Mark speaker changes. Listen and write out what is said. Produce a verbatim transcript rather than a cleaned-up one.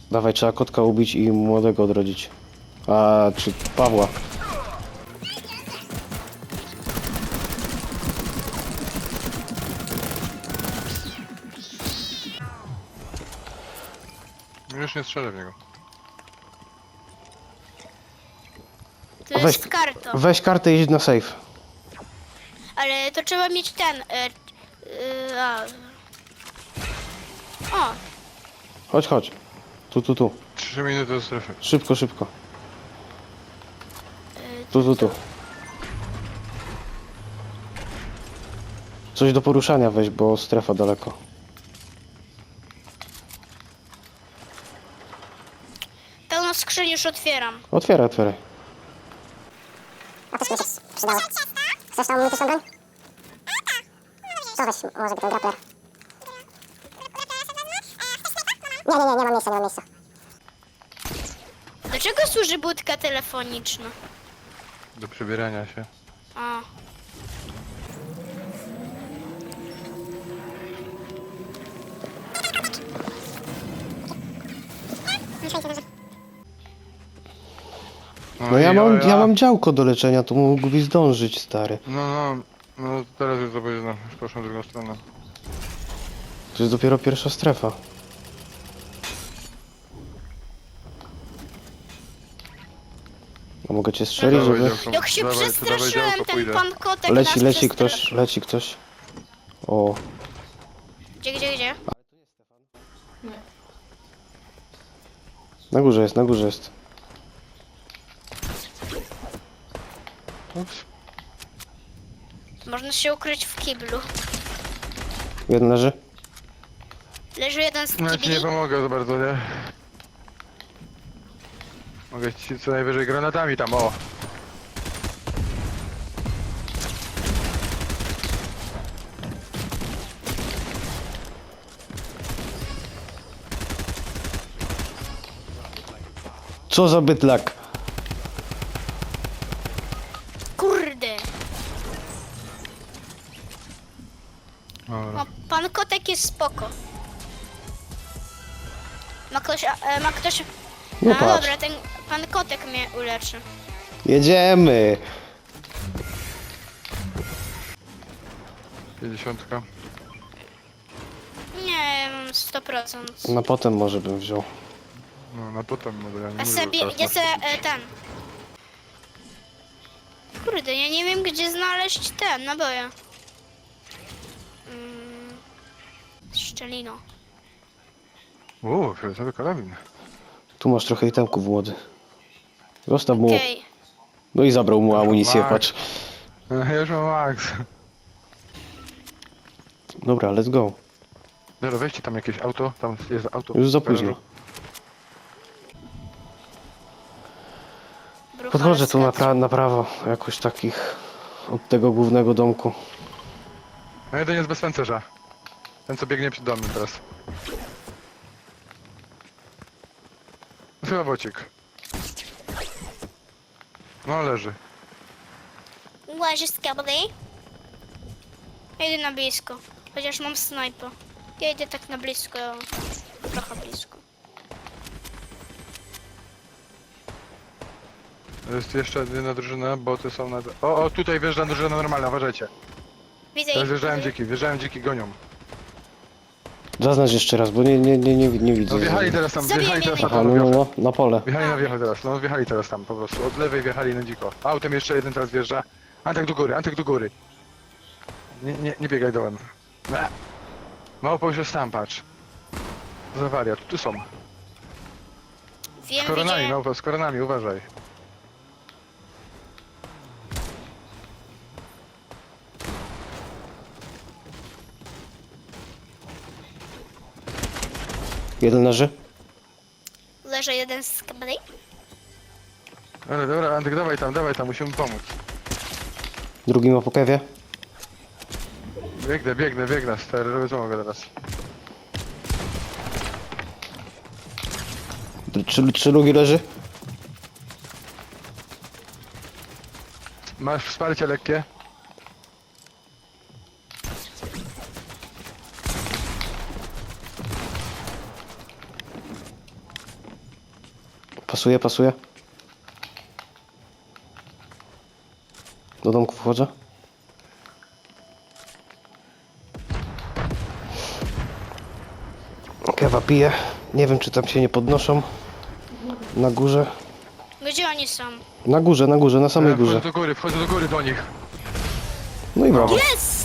Speaker 1: Dawaj, trzeba kotka ubić i młodego odrodzić. A, czy Pawła.
Speaker 2: Już nie strzelę w niego.
Speaker 3: To
Speaker 1: Weź-
Speaker 3: jest karta.
Speaker 1: Weź kartę i idź na safe.
Speaker 3: Ale to trzeba mieć ten... E, e, a. O,
Speaker 1: Chodź, chodź. Tu, tu, tu.
Speaker 2: Trzy minuty do strefy.
Speaker 1: Szybko, szybko.
Speaker 3: e,
Speaker 1: Tu, tu, tu. Coś do poruszania weź, bo strefa daleko.
Speaker 3: pełno skrzyń już otwieram.
Speaker 1: Otwieraj, otwieraj.
Speaker 4: A też mi się przydało. Chcesz tą mityczną broń? To weź może by ten grappler. Nie, nie, nie, nie mam miejsca, nie mam miejsca.
Speaker 3: Do czego służy budka telefoniczna?
Speaker 2: Do przebierania się.
Speaker 3: A.
Speaker 1: No ja
Speaker 2: i
Speaker 1: mam,
Speaker 2: o,
Speaker 1: ja mam działko do leczenia, to mógłbyś zdążyć, stary.
Speaker 2: No, no, no teraz już zobaczę, no, już poszłem w drugą stronę.
Speaker 1: To jest dopiero pierwsza strefa. A mogę cię strzelić,
Speaker 2: Dawaj,
Speaker 1: żeby...
Speaker 2: działko,
Speaker 3: Jak się
Speaker 2: dawaj, to dawaj
Speaker 3: przestraszyłem,
Speaker 2: działko,
Speaker 3: ten
Speaker 2: pójdę.
Speaker 3: pan kotek
Speaker 1: Leci,
Speaker 3: nas
Speaker 1: leci
Speaker 3: przestra-
Speaker 1: ktoś, leci ktoś. O,
Speaker 3: Gdzie, gdzie, gdzie?
Speaker 1: na górze jest, na górze jest.
Speaker 2: Ups.
Speaker 3: Można się ukryć w kiblu.
Speaker 1: Jeden leży.
Speaker 3: Leży jeden z
Speaker 2: No ja ci
Speaker 3: kibli.
Speaker 2: nie pomogę za bardzo, nie? Mogę ci co najwyżej granatami tam, o!
Speaker 1: Co za bydlak?
Speaker 3: Kurde.
Speaker 2: Dobra.
Speaker 3: No, pan kotek jest spoko. Ma ktoś... A, e, ma ktoś...
Speaker 1: No
Speaker 3: A,
Speaker 1: patrz.
Speaker 3: dobra, ten pan kotek mnie uleczy.
Speaker 1: Jedziemy!
Speaker 2: pięćdziesiątka.
Speaker 3: Nie, ja mam sto procent.
Speaker 1: Na potem może bym wziął.
Speaker 2: No, na potem może ja nie
Speaker 3: A
Speaker 2: mówię,
Speaker 3: sobie,
Speaker 2: że teraz
Speaker 3: ja
Speaker 2: na-
Speaker 3: se, e, ten. Kurde, ja nie wiem gdzie znaleźć ten naboje. Mm, szczelino.
Speaker 2: Uuu, fioletowy karabin.
Speaker 1: Tu masz trochę itemków, młody. Zostaw mu.
Speaker 3: Okej.
Speaker 1: No i zabrał mu amunicję,
Speaker 2: Max.
Speaker 1: patrz.
Speaker 2: Ja już mam max.
Speaker 1: Dobra, let's go.
Speaker 2: Dobra, weźcie tam jakieś auto, tam jest auto.
Speaker 1: Już za późno.
Speaker 3: Brucha
Speaker 1: Podchodzę tu na,
Speaker 3: rozkaz.
Speaker 1: pra na prawo, jakoś takich od tego głównego domku.
Speaker 2: No jeden jest bez pancerza. Ten co biegnie przed domem teraz. Chyba bocik. No leży.
Speaker 3: Łazi z kably. Ja idę na blisko. Chociaż mam snajpa. Ja idę tak na blisko. Trochę blisko.
Speaker 2: Jest jeszcze jedna drużyna, boty są na... O, o, tutaj wjeżdża drużyna normalna, uważajcie.
Speaker 3: Widzę
Speaker 2: Teraz
Speaker 3: ich.
Speaker 2: wjeżdżają
Speaker 3: widzę.
Speaker 2: dziki, wjeżdżają dziki, gonią.
Speaker 1: Zaznacz jeszcze raz, bo nie, nie, nie, nie, nie widzę.
Speaker 2: No wjechali teraz tam,
Speaker 3: Zabiję
Speaker 2: wjechali teraz tam,
Speaker 1: Aha,
Speaker 2: na
Speaker 1: no, no,
Speaker 2: wiochę.
Speaker 1: no, na pole.
Speaker 2: Wjechali na wiecho teraz, no wjechali teraz tam po prostu. Od lewej wjechali na dziko. Autem jeszcze jeden teraz wjeżdża. Antek do góry, Antek do góry. Nie, nie, nie biegaj dołem. Ble. Małpo już jest tam, patrz. Za wariat, tu są.
Speaker 3: Wiem,
Speaker 2: Z koronami,
Speaker 3: widzę.
Speaker 2: małpo, z koronami, uważaj.
Speaker 1: Jeden leży.
Speaker 3: Leży jeden z kably.
Speaker 2: Ale dobra, Antek, dawaj tam, dawaj tam, musimy pomóc.
Speaker 1: Drugi ma po kewie.
Speaker 2: Biegnę, biegnę, biegnę, stary, robię co mogę teraz.
Speaker 1: Czy, czy drugi leży?
Speaker 2: Masz wsparcie lekkie?
Speaker 1: Pasuje, pasuje. Do domku wchodzę. Kewa pije. Nie wiem, czy tam się nie podnoszą. Na górze.
Speaker 3: Gdzie oni są?
Speaker 1: Na górze, na górze, na samej
Speaker 2: Ja wchodzę
Speaker 1: górze.
Speaker 2: do góry, wchodzę do góry do nich.
Speaker 1: No i brawo.
Speaker 3: Jest!